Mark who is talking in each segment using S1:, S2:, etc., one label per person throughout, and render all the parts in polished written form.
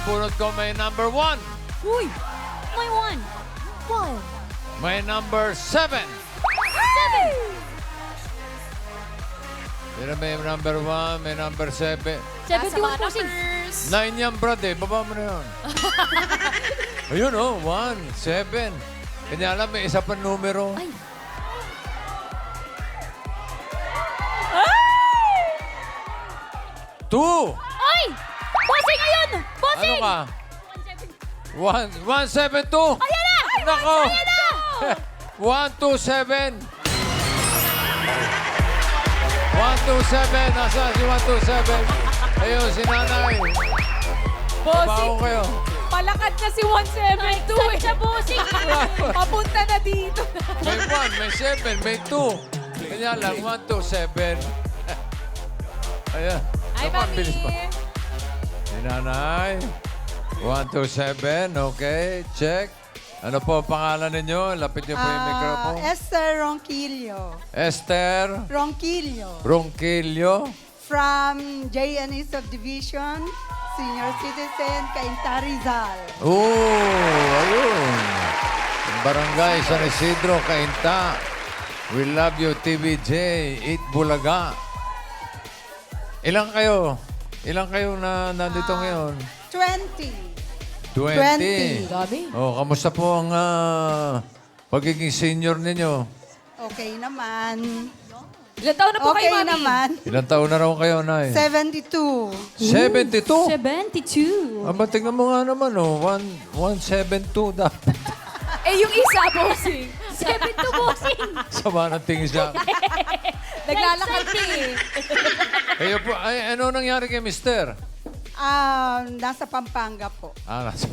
S1: nabunot ko may number 1.
S2: Uy! May one. One.
S1: May number 7.
S2: Seven.
S1: Pero may number 1, may number 7.
S2: 71 po, sing.
S1: 9 yan, Brad, eh. Baba mo na yun. Ayun, oh. 1, 7. Kanya alam, may isa pa numero.
S2: Ay.
S1: 2.
S2: Ay! Bossing, ayun!
S1: Ano
S2: Bossing!
S1: ka? 172.
S2: Ayan na!
S1: Nako!
S2: Ayan na!
S1: 127. 127. Nasaan si 127? Ayun, si nanay.
S3: Bossing,
S1: Bago kayo.
S3: palakad na si 172 eh.
S2: Siya, bossing!
S3: Papunta na dito.
S1: May 1, may 7, may 2. Kanya lang, 1, 2, 7. Ayan.
S3: Ay,
S1: Naman,
S3: mami.
S1: bilis pa. Si nanay. 1, 2, 7. Okay, check. Ano po ang pangalan ninyo? Lapit niyo po yung microphone.
S4: Esther Ronquillo.
S1: Esther
S4: Ronquillo.
S1: Ronquillo.
S4: From JNE Subdivision, Senior Citizen, Cainta Rizal.
S1: Ayun. Barangay San Isidro, Cainta. We love you, TVJ. Eat Bulaga. Ilang kayo? Ilang kayo na nandito ngayon?
S4: 20.
S1: 20.
S3: Dami.
S1: Oh, kamusta po ang pagiging senior ninyo?
S4: Okay naman.
S3: Ilan taon na po
S4: Okay
S3: kayo, Mami?
S4: naman.
S1: Ilang taon na raw kayo, Nay?
S4: 72.
S1: 72?
S2: 72.
S1: Aba, tingnan mo nga naman, oh. 172 dapat.
S3: Eh, yung isa, Bossing.
S2: 72, bossing!
S1: Sama ng tingin siya.
S3: Naglalakad ka eh.
S1: Kayo po, ay, ano nangyari kay Mister?
S4: Nasa Pampanga po.
S1: Nasa...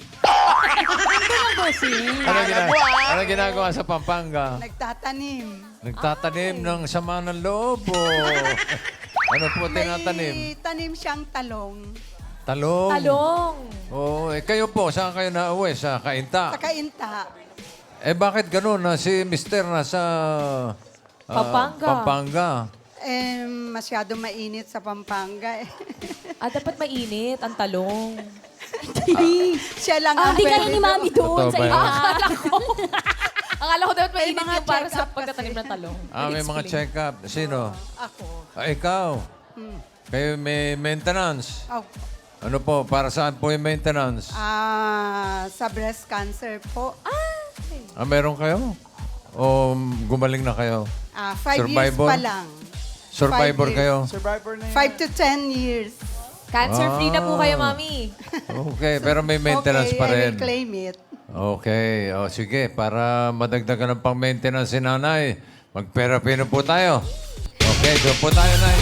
S2: Bossing.
S1: Ano ginagawa sa Pampanga?
S4: Nagtatanim.
S1: Nagtatanim ng sama ng loob o... Ano po tinatanim?
S4: May tanim siyang talong.
S1: Talong.
S3: Talong.
S1: Oo, kayo po, saan kayo nauwi? Sa Cainta?
S4: Sa Cainta.
S1: Eh bakit ganun na si Mister nasa...
S3: Pampanga.
S1: Pampanga.
S4: Masyado mainit sa Pampanga.
S3: Dapat mainit ang talong.
S4: Siya lang ang
S2: Di kaya
S4: pwede
S2: ni Mami doon
S1: Totoo
S2: sa
S1: ba yun?
S2: iba.
S3: Akala ko dapat mainit
S4: mga
S3: yung para sa
S4: check-up
S3: pagtatanim
S4: kasi.
S3: ng talong.
S1: May mga
S3: Explain.
S1: check-up. Sino?
S4: Ako.
S1: Ikaw. Kayo may maintenance.
S4: Oh,
S1: Ano po, para saan po yung maintenance?
S4: sa breast cancer po.
S1: Meron kayo? O gumaling na kayo?
S4: 5 years
S1: Survivor?
S4: pa lang.
S1: Survivor
S4: 5 years.
S1: kayo?
S5: Survivor na
S4: 5 to 10 years.
S3: Cancer-free na po kayo, Mami.
S1: Okay, pero may maintenance
S4: okay,
S1: pa
S4: I
S1: rin.
S4: will claim it.
S1: Okay, o sige, para madagdagan ng pang-maintenance si nanay, magpera-pino po tayo. Okay, doon po tayo, Nay.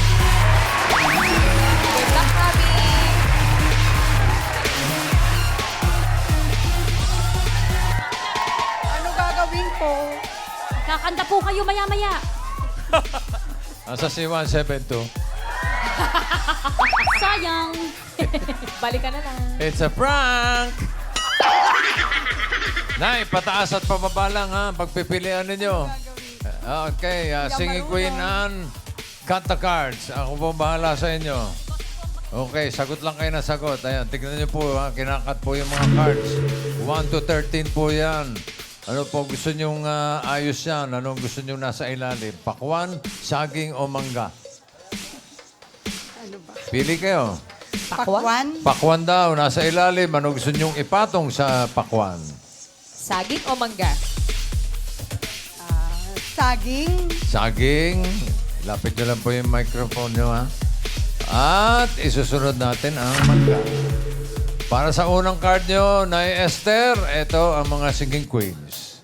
S3: Good luck, Mami.
S4: Ano gagawin ko?
S2: Kakanta po kayo maya-maya.
S1: Nasa si 172.
S2: Sayang.
S3: Balik ka na lang.
S1: It's a prank! Nay, pataas at pababa lang ha, pagpipilian ninyo. Okay, Singing Queen Anne, cut the cards. Ako po bahala sa inyo. Okay, sagot lang kayo na sagot. Ayan, tignan niyo po ha, kinakat po yung mga cards. 1 to 13 po yan. Ano po gusto nyong ayos yan? Anong gusto nyong nasa ilalim? Pakwan, saging o mangga?
S4: Ano ba?
S1: Pili kayo.
S4: Pakwan?
S1: Pakwan daw, nasa ilalim. Ano gusto nyong ipatong sa pakwan?
S3: Saging o mangga?
S4: Saging?
S1: Saging. Lapit nyo lang po yung microphone nyo, ha? At isusunod natin ang mangga. Para sa unang card nyo, Nay Esther, ito ang mga singing queens.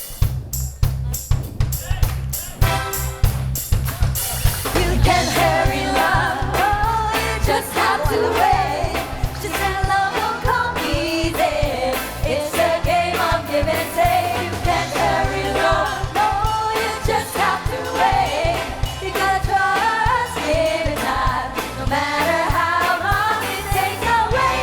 S6: You can hurry love, oh, you just have to wait. Just let love will come easy. It's a game of give and take. You can hurry love, no, you just have to wait. You gotta trust in time, no matter how long it takes away.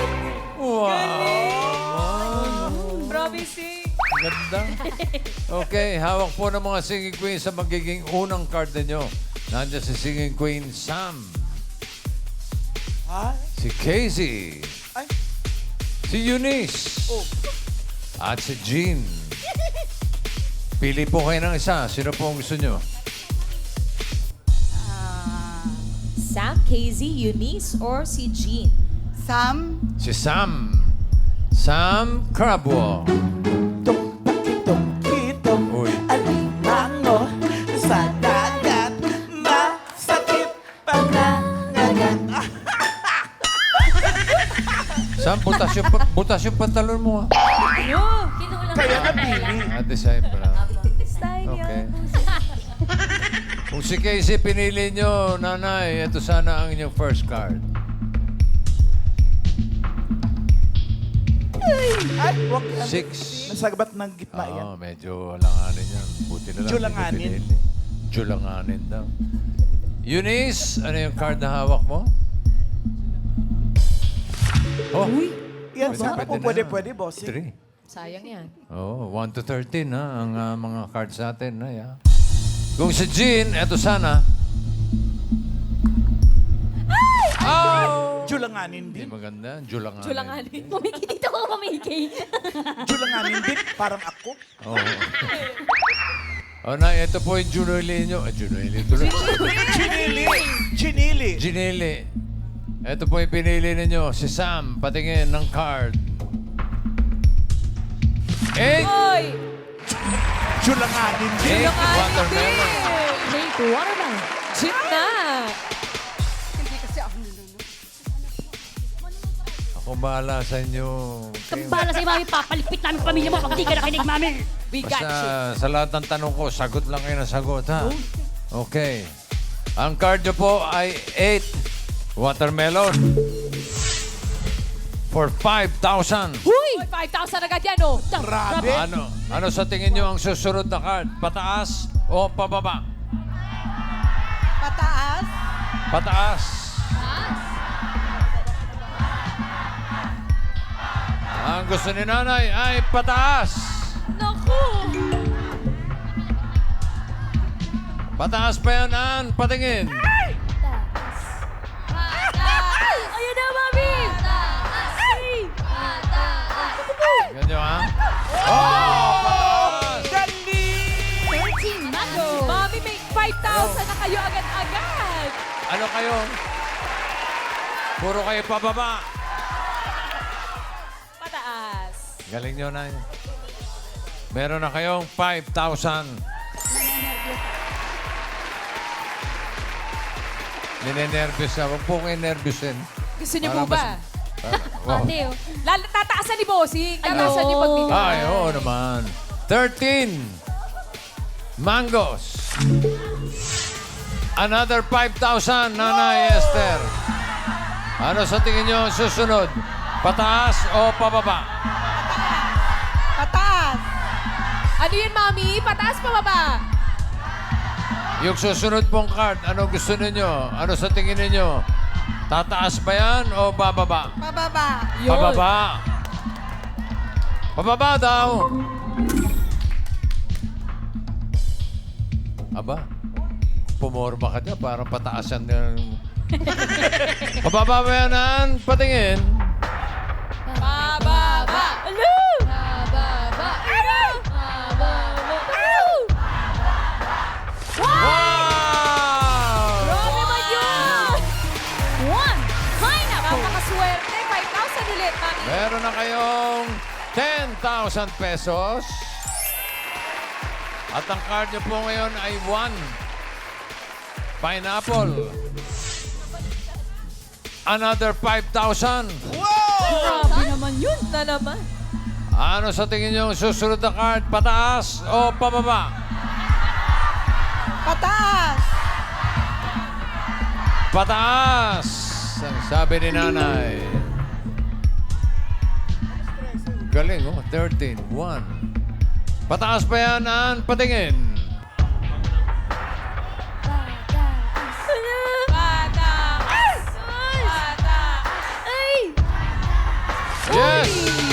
S3: Promising.
S1: Ganda. Okay, hawak po ng mga singing queens sa magiging unang card ninyo. Nandiyan si singing queen Sam.
S5: Ha?
S1: Si Casey.
S5: Ay,
S1: Si Eunice. At si Jean. Pili po kayo ng isa. Sino po ang gusto nyo?
S3: Sam, KZ, Eunice, or si Jean?
S4: Sam.
S1: Si Sam. Sam Crabwell.
S5: Tungkitong
S1: Uy.
S5: alimango sa dagat. Masakit pangangagat.
S1: Sam, butas yung pantalon mo. ah.
S2: Kinulang
S5: Kaya
S2: na
S5: napili.
S1: Design pala.
S3: Style
S1: Okay. Kung si Casey pinili nyo, nanay, ito sana ang inyong first card.
S5: Ay, wag yan.
S1: 6.
S5: Nasagbat ng gitna yan.
S1: Oo, medyo langanin yan. Buti na lang.
S5: Julanganin.
S1: hindi ko pinili. Julanganin daw. Eunice, ano yung card na hawak mo? Oh,
S5: Yan,
S1: Pwede,
S5: sana
S1: pwede
S5: po
S1: na.
S5: pwede, bossing.
S1: 3.
S3: Sayang yan.
S1: Oh, 1 to 13 ha, ang mga cards natin. Ha. Kung si Jean, eto sana. Oh!
S5: Julanganin
S1: Hindi
S5: din.
S1: maganda. Julanganin.
S3: Julanganin.
S2: Pumiki dito ka, pumiki.
S5: Julanganin din, parang ako.
S1: Oo. Oh, na, ito po yung Junili nyo. Junili tuloy.
S5: Chinili! Chinili!
S1: Ginili. Ito po yung pinili ninyo. Si Sam, patingin ng card. 8!
S3: Oy!
S5: Julanganin din.
S1: 8 watermelon.
S2: Make watermelon.
S3: Jean na!
S4: Hindi kasi ako nilunod.
S1: Ako bahala sa inyo.
S2: Kambala sa'yo, mami. Papaligpit namin pamilya mo pag di ka nakinig, mami.
S3: We got you.
S1: Basta sa lahat ng tanong ko, sagot lang kayo ng sagot, ha? Okay. Ang card nyo po ay 8 watermelon for 5,000.
S3: Uy! 5,000 agad yan, oh!
S5: Grabe.
S1: Ano sa tingin nyo ang susunod na card? Pataas o pababa?
S4: Pataas.
S1: Pataas. Ang gusto ni nanay ay pataas.
S3: Naku!
S1: Pataas pa yan, Ann. Patingin.
S2: Ayun na, mami.
S1: Ganyan, ha? Oh, pataas.
S5: Dali!
S2: 13 mango.
S3: Mami, may 5,000 na kayo agad-agad!
S1: Ano kayo? Puro kayo pababa.
S3: Pataas.
S1: Galing nyo na yun. Meron na kayong 5,000. Ninenervous na. Huwag po kayo nervousin.
S3: Gusto niyo
S1: Para
S3: po ba?
S1: Wow.
S2: Ate, oh.
S3: Tataasan ni Bossing. Tataasan niyo pag bigay.
S1: Ay, oo naman. 13 mangoes. Another 5,000, Nanay Esther. Ano sa tingin nyo ang susunod? Pataas o pababa?
S4: Pataas.
S3: Ano yun, Mami? Pataas pa baba?
S1: Yung susunod pong card, ano gusto ninyo? Ano sa tingin ninyo? Tataas ba yan o bababa?
S4: Pababa.
S3: Yun.
S1: Pababa. Pababa daw. Aba, pumorma ka dyan. Parang pataasan ng... Pababa ba yan, Ann? Patingin.
S3: Bababa!
S2: Hello!
S3: Bababa! Ano?
S1: Wow!
S3: Grabe ba yun?
S2: One pineapple.
S3: Napakaswerte. 5,000 ulit, Mami.
S1: Meron na kayong 10,000 pesos. At ang card nyo po ngayon ay 1 pineapple. Another 5,000.
S2: Grabe naman yun.
S3: Na naman.
S1: Ano sa tingin nyo ang susunod na card? Pataas o pababa?
S4: Pataas.
S1: Pataas! Ang sabi ni nanay. Galing, oh. 13, 1. Pataas pa yan, Ann. Patingin.
S3: Pataas! Pataas!
S2: Ay!
S1: Yes!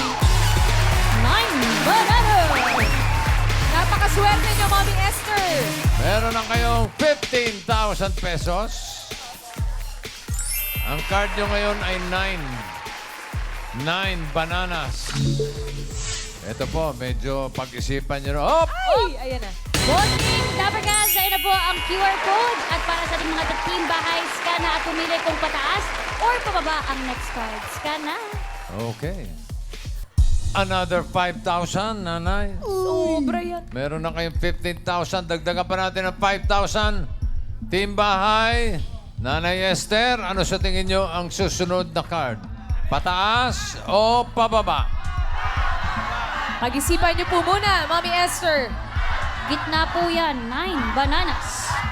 S2: 9 banana.
S3: Napakaswerte niyo, Mami Esther.
S1: Meron na kayong 15,000 pesos. Ang card nyo ngayon ay 9. 9 bananas. Ito po, medyo pag-isipan nyo. Op!
S3: Ay, ayan na.
S2: Bossing, Dabarkas, ayun na po ang QR code. At para sa ating mga team bahay, scan na at pumili kung pataas or pababa ang next card. Scan na.
S1: Okay. Another 5,000, nanay.
S3: Sobra yan.
S1: Meron na kayong 15,000. Dagdagan pa natin ng 5,000. Team bahay, Nanay Esther, ano sa tingin nyo ang susunod na card? Pataas o pababa?
S3: Pag-isipan niyo po muna, Mommy Esther.
S2: Gitna po yan. 9 bananas.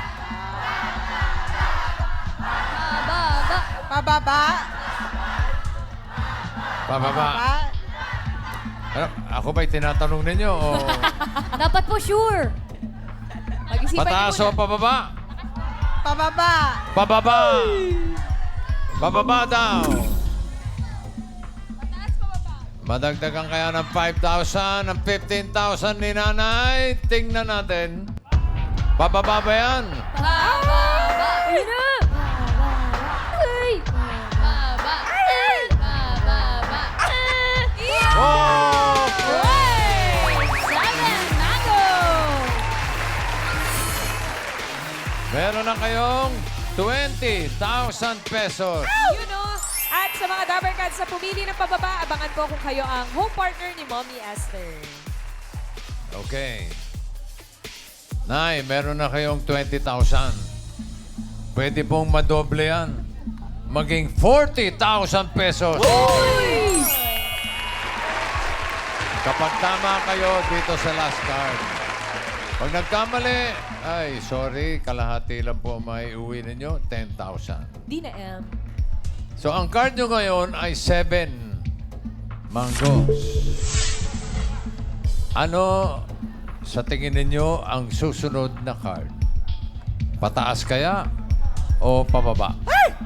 S4: Pababa.
S1: Pababa.
S4: Pababa.
S1: Ano, ako ba'y tinatanong ninyo o
S2: Dapat po sure.
S3: Pag-isipan
S1: pataas
S3: niyo
S1: o
S3: muna.
S1: pababa?
S4: Pababa.
S1: Pababa! Pababa daw. Madagdagan kaya ng 5,000, ng 15,000 ni nanay. Tingnan natin. Pababa ba yan?
S3: Baba! Ayun na!
S2: Ay!
S3: Baba! Baba!
S1: Oh!
S2: Seven, mango!
S1: Meron na kayong 20,000 pesos.
S3: You know, at sa mga Dabarkads na pumili ng pababa, abangan po kung kayo ang home partner ni Mommy Esther.
S1: Okay. Nay, meron na kayong 20,000. Pwede pong madoble yan. Maging 40,000 pesos. Kapag tama kayo dito sa last card. Pag nagkamali, ay, sorry, kalahati lang po may uwi ninyo, 10,000.
S3: Di na, M.
S1: So, ang card nyo ngayon ay 7 mangoes. Ano sa tingin ninyo ang susunod na card? Pataas kaya o pababa?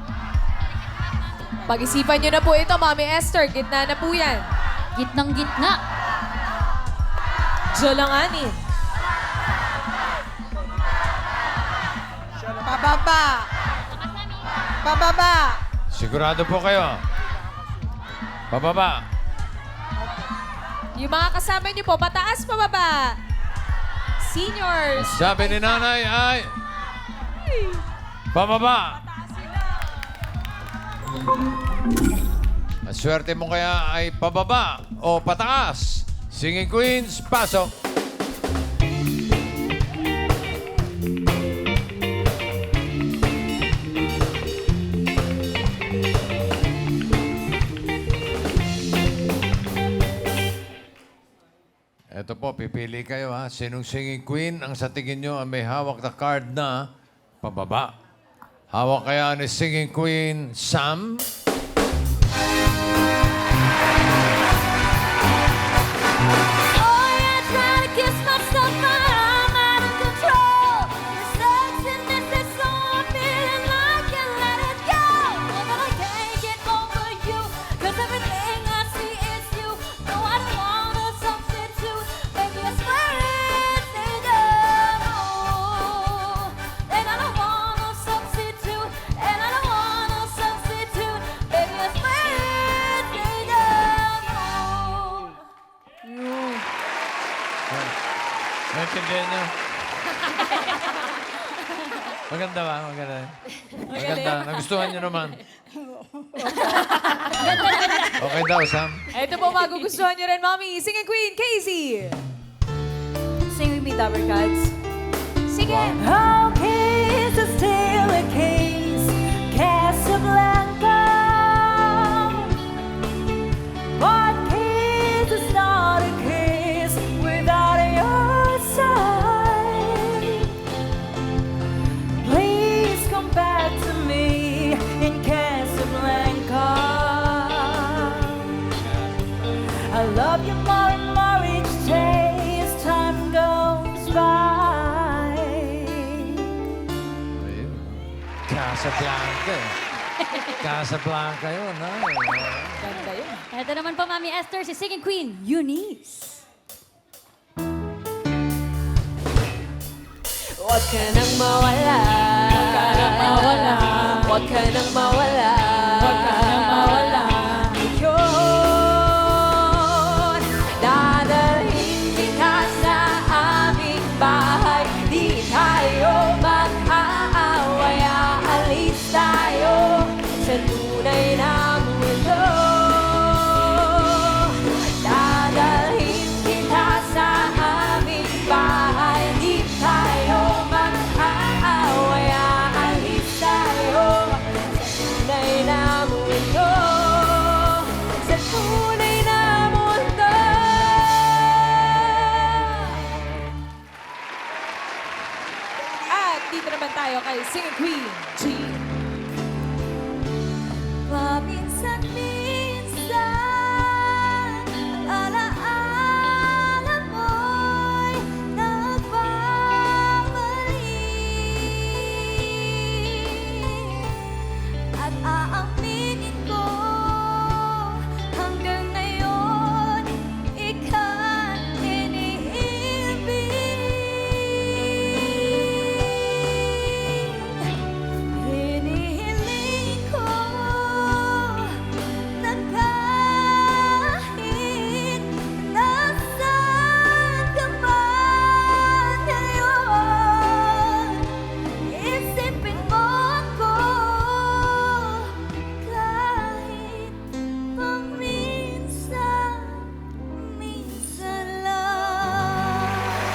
S3: Pag-isipan niyo na po ito, Mommy Esther. Gitna na po yan.
S2: Gitnang gitna.
S3: Jolangani.
S4: Pababa. Pababa.
S1: Sigurado po kayo? Pababa.
S3: Yung mga kasama niyo po, mataas pa baba. Seniors.
S1: Sabi ni nanay ay pababa. Ang swerte mo kaya ay pababa o pataas. Singing Queens, pasok. Ito po, pipili kayo ha. Sinong singing queen ang sa tingin nyo ang may hawak na card na pababa? Hawak kaya ni singing queen Sam?
S6: Oh, yeah, trying to kiss myself, but I'm out of control. Your sexiness is so I'm feeling I can't let it go. But I can't get over you, 'cause everything I see is you. No, I don't want a substitute. Baby, I swear it's enough. And I don't want a substitute. And I don't want a substitute. Baby, I swear it's enough.
S1: Naintindihan nyo? Maganda ba? Maganda. Maganda. Nagustuhan nyo naman. Okay daw, Sam?
S3: Ito po, magugustuhan niyo rin, Mommy. Singing Queen, Casey. Sing with me, Dabarkads. Sige.
S6: Okay, is it still a case, Casablanca? What case is not a case without your side? Please come back to me in Casablanca. I love you more and more each day as time goes by.
S1: Ayun. Casablanca eh. Casablanca yun, ha?
S3: Ganda yun.
S2: Ito naman po, Mami Esther, si singing queen, Eunice.
S3: Huwag ka nang mawala. Huwag ka nang mawala. Huwag ka nang mawala. Huwag ka nang mawala. You're tayo kay Singing Queen, G.
S6: Paminsan-minsan ang alaala mo'y nagbabalik. At aaminin ko hanggang ngayon ika'y iniibig. Hinihiling ko na kahit nasaan ka man ngayon, isipin mo ako kahit paminsan-minsan lang.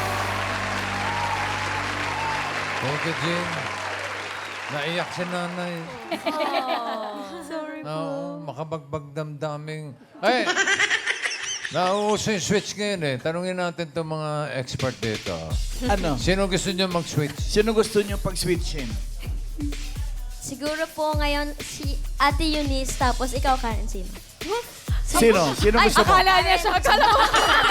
S1: Thank you, Jean. Naiyak si nanay.
S6: Sorry
S1: Oo, makabagbag damdaming. Ay! Nauuso yung switch ngayon eh. Tanungin natin itong mga expert dito.
S5: Ano?
S1: Sino gusto nyo mag-switch?
S5: Sino gusto nyo pag-switchin?
S6: Siguro po ngayon si Ate Eunice, tapos ikaw, Karen, sino?
S5: Sino? Sino gusto mo?
S3: Akala niya siya. Akala ko.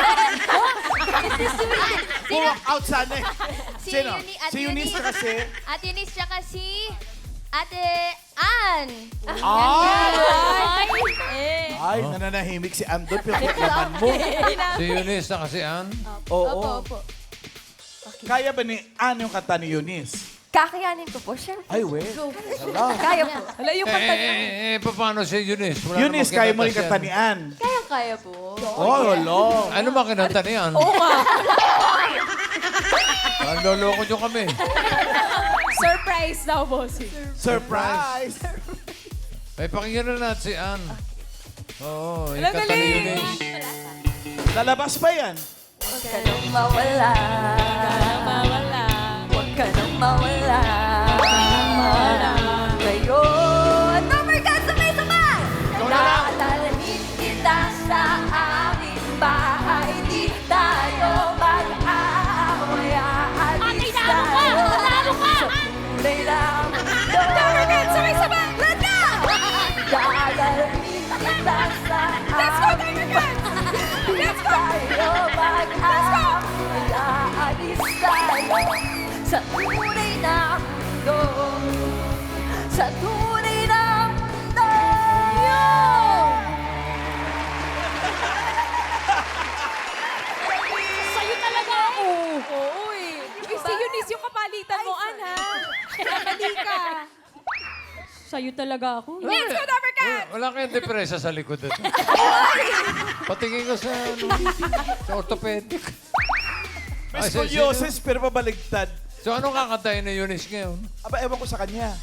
S5: Walk out sana eh.
S6: Si
S5: Sino?
S6: Ate
S5: Si Eunice kasi.
S6: Ate Eunice, tsaka si Ate Ann.
S5: Ay!
S6: Eh.
S5: Ay, nananahimik si Andon. Pero naman mo.
S1: Si Eunice na kasi Ann?
S5: Oo.
S6: Opo.
S5: Kaya ba ni Ann yung kanta ni Eunice?
S6: Kakayanin ko po, syempre.
S5: Ay, we.
S6: Kaya po.
S3: Wala yung kanta niya.
S1: Paano si Eunice? Wala
S5: Eunice,
S1: namang
S5: kaya mo rin
S1: kinanta
S5: kanta ni
S1: siya.
S5: Ann.
S6: Kaya po.
S5: Oh, lolo.
S1: Ano ba kinanta ni Ann?
S3: Oo nga.
S1: Ang loloko nyo kami.
S3: Surprise daw, bossing.
S5: Surprise!
S1: Ay, pakinggan na natin si Ann. Oo, yung
S3: Dali,
S1: kanta ni
S3: dali.
S1: Eunice.
S5: Lalabas pa yan.
S6: Huwag ka nang mawala.
S3: Mawala.
S6: Huwag ka nang mawala. Ngayon, number ka, sabay-sabay! Daalalahin kita sa aming bahay. Di tayo mag-aaway. Aalis tayo sa kulay ng mundo. Number ka, sabay-sabay! Let's go! Daalalahin kita sa aming bahay. Di tayo mag-aaway. Aalis tayo sa tunay na mundo. Sa tunay na mundo.
S2: Sa'yo talaga ako.
S3: Oo eh. Si Eunice yung kapalitan mo, Ann, ha? Nakali ka.
S2: Sa'yo talaga ako.
S3: Let's go, number ka!
S1: Wala kayong depresa sa likod ito. Patingin ko sa, sa orthopedic.
S5: May
S1: Ay, si-
S5: scoliosis pero pabaligtad.
S1: So, anong kakantayin ni Eunice ngayon?
S5: Aba, ewan ko sa kanya.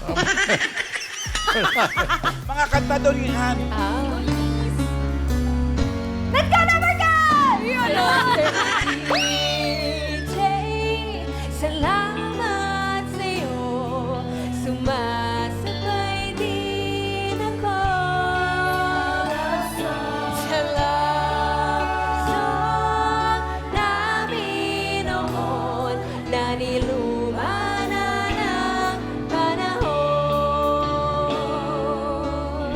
S5: Mga kanta daw ni Ann.
S6: Let's go, number ka!
S2: DJ, salamat sa'yo. Sumasabay din ako. Salamat sa namin noon na niluma na ng panahon.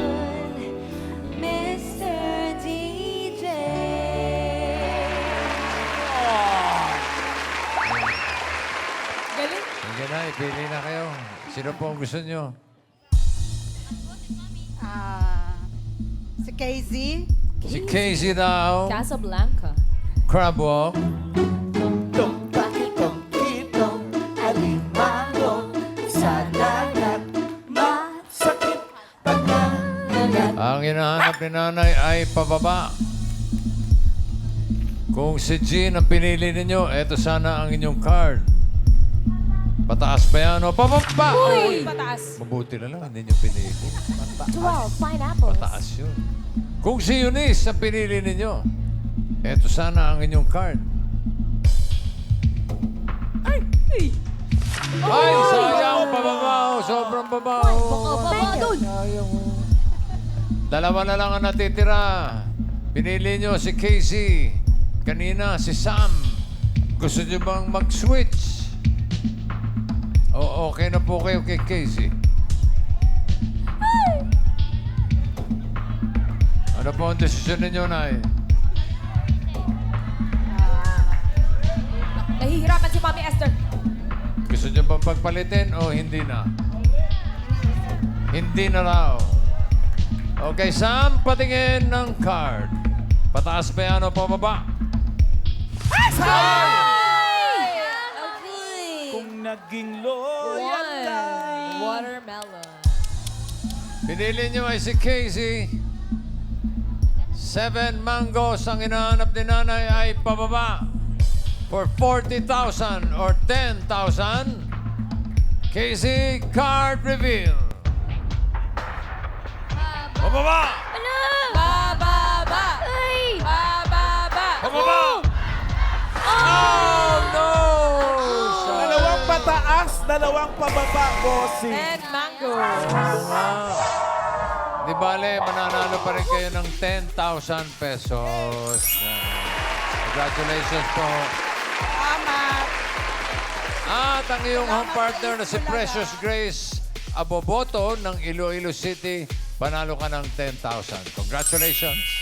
S2: Mr. DJ.
S3: Galing.
S1: Sige na, ipili na kayo. Sino po ang gusto nyo?
S4: Si KZ.
S1: Si Casey daw,
S3: Casablanca.
S1: Crab Walk.
S5: Tong takitong kitong alimango sa dagat. Masakit pagkanagat.
S1: Ang hinahanap ni nanay ay pababa. Kung si Jean ang pinili ninyo, eto sana ang inyong card. Pataas pa yan o pababa?
S3: Uy! Pataas.
S1: Mabuti na lang, hindi nyo pinili.
S2: 12 pineapples.
S1: Pataas yun. Kung si Eunice ang pinili ninyo, eto sana ang inyong card. Ay, sayang pababaw. Sobrang babaw. Sayang. Dalawa na lang ang natitira. Pinili nyo si Casey. Kanina si Sam. Gusto nyo bang mag-switch? Okay na po kayo kay Casey. Ano po ang desisyon ninyo, Nay?
S3: Nahihirapan si Mami Esther.
S1: Gusto niyo bang pagpalitin o hindi na? Hindi na raw. Okay, Sam, patingin ng card. Pataas ba yan o pababa?
S5: Kung naging loyal ka.
S3: Watermelon.
S1: Pinili niyo ay si Casey. 7 mangoes ang hinahanap ni Nanay ay pababa. For 40,000 or 10,000. Casey, card reveal. Pababa!
S2: Ano?
S3: Bababa!
S2: Ay!
S3: Bababa!
S1: Pababa! Oh, no!
S5: Dalawang pataas, dalawang pababa, bossing.
S3: And mango.
S1: Di bale, mananalo pa rin kayo ng 10,000 pesos. Congratulations po.
S4: Salamat.
S1: At ang iyong home partner na si Precious Grace Aboboto ng Iloilo City, panalo ka ng 10,000. Congratulations.